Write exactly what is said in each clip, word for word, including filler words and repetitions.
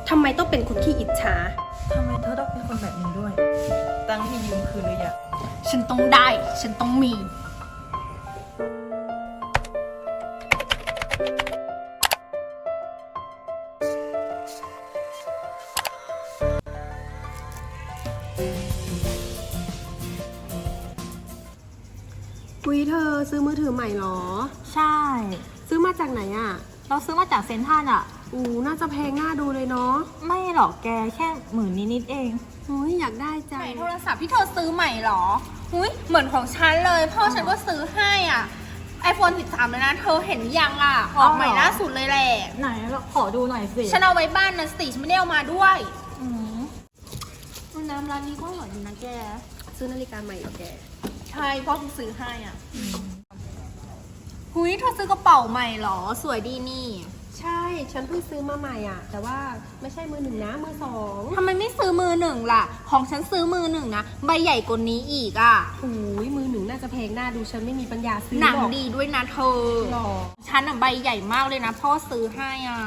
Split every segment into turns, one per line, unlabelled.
ทำไมต้องเป็นคนขี้อิจฉา
ทำไมเธอต้องเป็นคนแบบนี้ด้วยตังค์ที่ยืมคืนหรือยัง
ฉันต้องได้ฉันต้องมีคุยเธอซื้อมือถือใหม่หรอ
ใช่
ซื้อมาจากไหนอ่ะ
เราซื้อมาจากเซ็นทรัลอ่ะ
อู้น่าจะแพงน่าดูเลยเนาะ
ไม่หรอกแกแค่หมื่นนิดๆเอง
อุ้ยอยากได้จัง
โทรศัพท์ที่เธอซื้อใหม่หรออุ้ยเหมือนของฉันเลยพ่อฉันก็ซื้อให้อ่ะไอโฟนสิบสามเลยนะเธอเห็นยังอ่ะออกใหม่ล่าสุดเลยแหละ
ไหนขอดูหน่อยสิ
ฉันเอาไว้บ้านนะสิฉันไม่ได้เอามาด้วย
อืมน้ำร้านนี้ก็อร่อยดีนะแก
ซื้อนาฬิกาใหม่เหรอแก
ใช่พ่อเพิ่งซื้อให้อ่ะหุยเธอซื้อกระเป๋าใหม่หรอสวยดีนี่
ใช่ฉันเพิ่งซื้อมาใหม่อ่ะแต่ว่าไม่ใช่มือหนึ่งนะมือสอง
ทำไมไม่ซื้อมือหนึ่งล่ะของฉันซื้อมือหนึ่งนะใบใหญ่กว่านี้อีกอ่ะ
โอ้ยมือหนึ่งน่าจะแพงหน้าดูฉันไม่มีปัญญาซื้อ
หนังดีด้วยนะเธอ
หรอ
ฉันอ่ะใบใหญ่มากเลยนะพ่อซื้อให้อ่ะ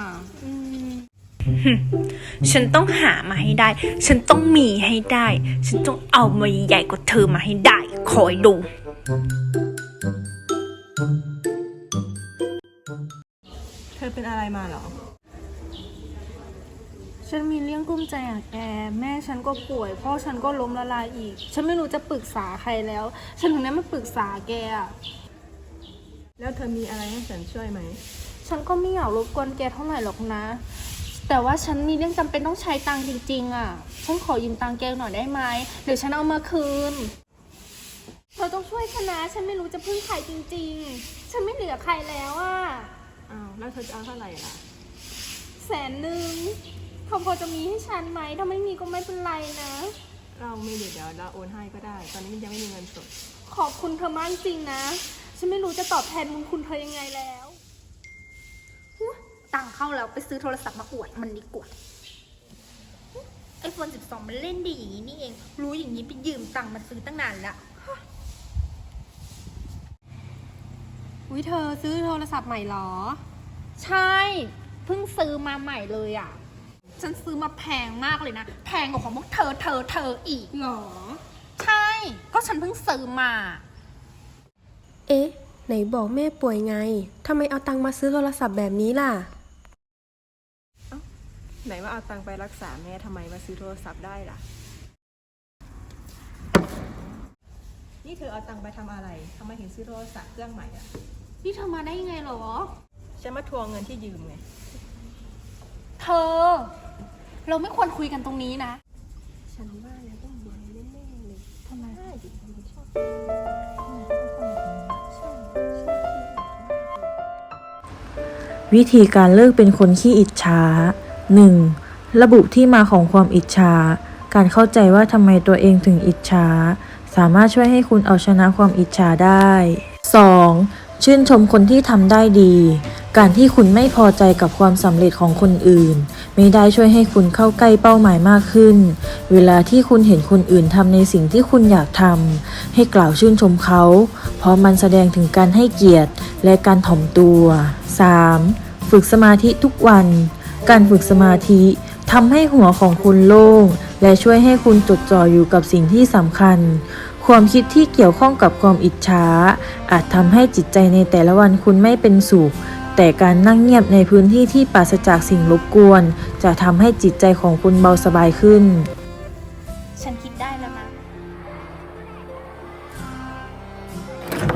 ฉันต้องหามาให้ได้ฉันต้องมีให้ได้ฉันต้องเอามาใหญ่กว่าเธอมาให้ได้คอยดู
เธอเป็นอะไรมาเหรอ
ฉันมีเรื่องกุ้มใจอ่ะแกแม่ฉันก็ป่วยพ่อฉันก็ล้มละลายอีกฉันไม่รู้จะปรึกษาใครแล้วฉันถึงได้มาปรึกษาแกอ่ะ
แล้วเธอมีอะไรให้ฉันช่วยไหม
ฉันก็ไม่อยากรบกวนแกเท่าไหร่หรอกนะแต่ว่าฉันมีเรื่องจำเป็นต้องใช้ตังค์จริงๆอ่ะฉันขอยืมตังค์แกหน่อยได้ไหมเดี๋ยวฉันเอามาคืนเธอต้องช่วยฉันนะฉันไม่รู้จะพึ่งใครจริงๆฉันไม่เหลือใครแล้วอ่ะ
อ้าวแล้วเธอจะเอาเท่าไหร่ล่ะ
แสนหนึ่งเขาพอจะมีให้ฉันไหมถ้าไม่มีก็ไม่เป็นไรนะ
เราไม่เดี๋ยวเดี๋ยวเราโอนให้ก็ได้ตอนนี้มันยังไม่มีเงินสด
ขอบคุณเธอมากจริงนะฉันไม่รู้จะตอบแทนบุญคุณเธอยังไงแล้ว
ตังเข้าแล้วไปซื้อโทรศัพท์มาอวดมันดีกว่าไอโฟนสิบสองมันเล่นดีอย่างนี้นี่เองรู้อย่างนี้ไปยืมตังมาซื้อตั้งนานละ
อุ้ยเธอซื้อโทรศัพท์ใหม่หรอ
ใช่เพิ่งซื้อมาใหม่เลยอ่ะฉันซื้อมาแพงมากเลยนะแพงกว่าของพวกเธอเธอเธออีก
หรอ
ใช่ก็ฉันเพิ่งซื้อมา
เอ๊ะไหนบอกแม่ป่วยไงทำไมเอาตังค์มาซื้อโทรศัพท์แบบนี้ล่ะ
ไหนว่าเอาตังค์ไปรักษาแม่ทำไมมาซื้อโทรศัพท์ได้ล่ะนี่เธอเอาตังค์ไปทำอะไรทำไมถึงซื้อโทรศัพท์เครื่องใหม่อ่ะ
นี่เธอมาได้ยังไงหรอ
ฉันมาทวงเงินที่ยืมไง
เธอเราไม่ควรคุยกันตรงนี้นะ
ฉันว่าแล้วต้องรวยแน่ๆเลย
ทำไม
ได้ดิฉันชอบ
วิธีการเลิกเป็นคนขี้อิจฉา หนึ่ง. ระบุที่มาของความอิจฉาการเข้าใจว่าทำไมตัวเองถึงอิจฉาสามารถช่วยให้คุณเอาชนะความอิจฉาได้ สอง. ชื่นชมคนที่ทำได้ดีการที่คุณไม่พอใจกับความสำเร็จของคนอื่นไม่ได้ช่วยให้คุณเข้าใกล้เป้าหมายมากขึ้นเวลาที่คุณเห็นคนอื่นทำในสิ่งที่คุณอยากทำให้กล่าวชื่นชมเขาเพราะมันแสดงถึงการให้เกียรติและการถ่อมตัว สาม. ฝึกสมาธิทุกวันการฝึกสมาธิทำให้หัวของคุณโล่งและช่วยให้คุณจดจ่ออยู่กับสิ่งที่สำคัญความคิดที่เกี่ยวข้องกับความอิจฉาอาจทำให้จิตใจในแต่ละวันคุณไม่เป็นสุขแต่การนั่งเงียบในพื้นที่ที่ปราศจากสิ่งรบกวนจะทำให้จิตใจของคุณเบาสบายขึ้น
ฉันคิดได้แล้วนะ